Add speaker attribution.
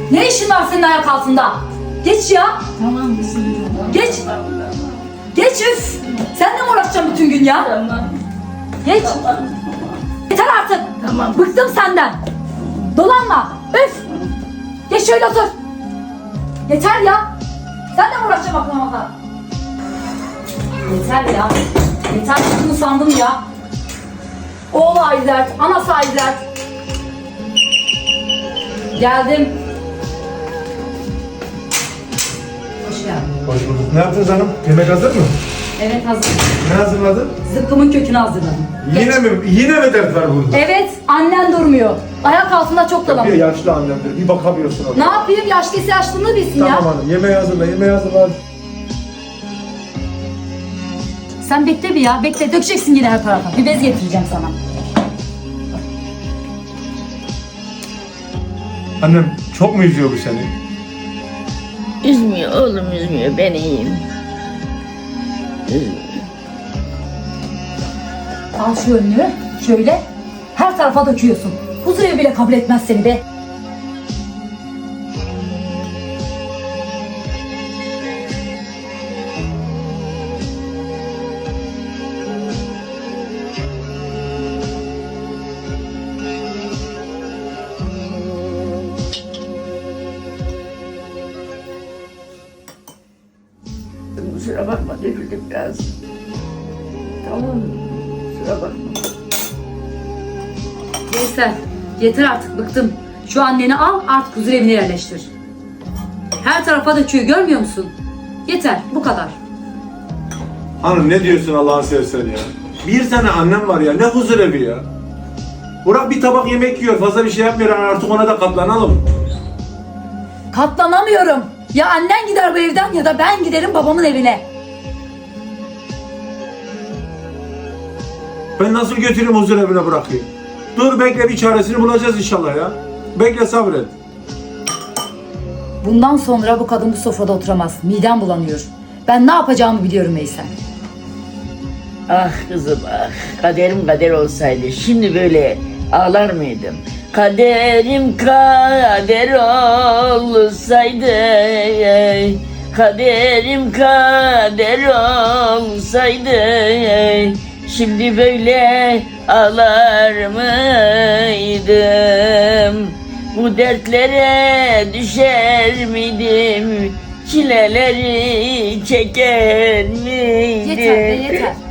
Speaker 1: Ne işin var senin ayak altında? Geç ya.
Speaker 2: Tamam.
Speaker 1: Geç. Geç üf. Seninle mi uğraşacağım bütün gün ya?
Speaker 2: Tamam.
Speaker 1: Geç. Yeter artık.
Speaker 2: Tamam.
Speaker 1: Bıktım senden. Dolanma. Üf. Geç şöyle otur. Yeter ya. Seninle mi uğraşacağım aklıma kadar? Yeter ya. Yeter bunu sandım ya. Oğlu ayrı dert, anası ayrı dert. Geldim. Hoş geldin.
Speaker 3: Hoş bulduk. Ne yaptınız hanım? Yemek hazır mı?
Speaker 1: Evet hazır.
Speaker 3: Ne hazırladın?
Speaker 1: Zıkkımın kökünü hazırladım.
Speaker 3: Yine mi dert var burada?
Speaker 1: Evet, annen durmuyor. Ayak altında çok
Speaker 3: Bir
Speaker 1: dolanıyor.
Speaker 3: yaşlı annemdir. Bir bakamıyorsun ona.
Speaker 1: Ne yapayım? Yaşlıysa yaşlılığını bilsin ya.
Speaker 3: Tamam hanım. Yemeği hazırla. Yemeği hazırla. Hadi.
Speaker 1: Sen bekle bir ya. Bekle. Dökeceksin yine her tarafa. Bir bez getireceğim sana.
Speaker 3: Annem çok mu üzüyor bu seni?
Speaker 2: Üzmüyor oğlum, üzmüyor. Ben iyiyim. Üzmüyor.
Speaker 1: Al şu önlüğü. Şöyle. Her tarafa döküyorsun. Huzurevi bile kabul etmez seni be.
Speaker 2: Kusura bakma, döküldük biraz. Tamam mı? Kusura bakma.
Speaker 1: Neyse. Yeter artık. Bıktım. Şu anneni al artık huzurevine yerleştir. Her tarafa döküyor. Görmüyor musun? Yeter. Bu kadar.
Speaker 3: Hanım ne diyorsun Allah'ın seversen ya? Bir tane annem var ya. Ne huzur evi ya? Burak bir tabak yemek yiyor. Fazla bir şey yapmıyor. Artık ona da katlanalım.
Speaker 1: Katlanamıyorum. Ya annen gider bu evden ya da ben giderim babamın evine.
Speaker 3: Ben nasıl götüreyim huzur evine bırakayım? Dur bekle, bir çaresini bulacağız inşallah ya. Bekle, sabret.
Speaker 1: Bundan sonra bu kadın bu sofrada oturamaz. Midem bulanıyor. Ben ne yapacağımı biliyorum Veysel.
Speaker 2: Ah kızım ah. Kaderim kader olsaydı şimdi böyle ağlar mıydım? Kaderim kader olsaydı, kaderim kader olsaydı, şimdi böyle ağlar mıydım? Bu dertlere düşer miydim? Çileleri çeker miydim?
Speaker 1: Yeter be yeter.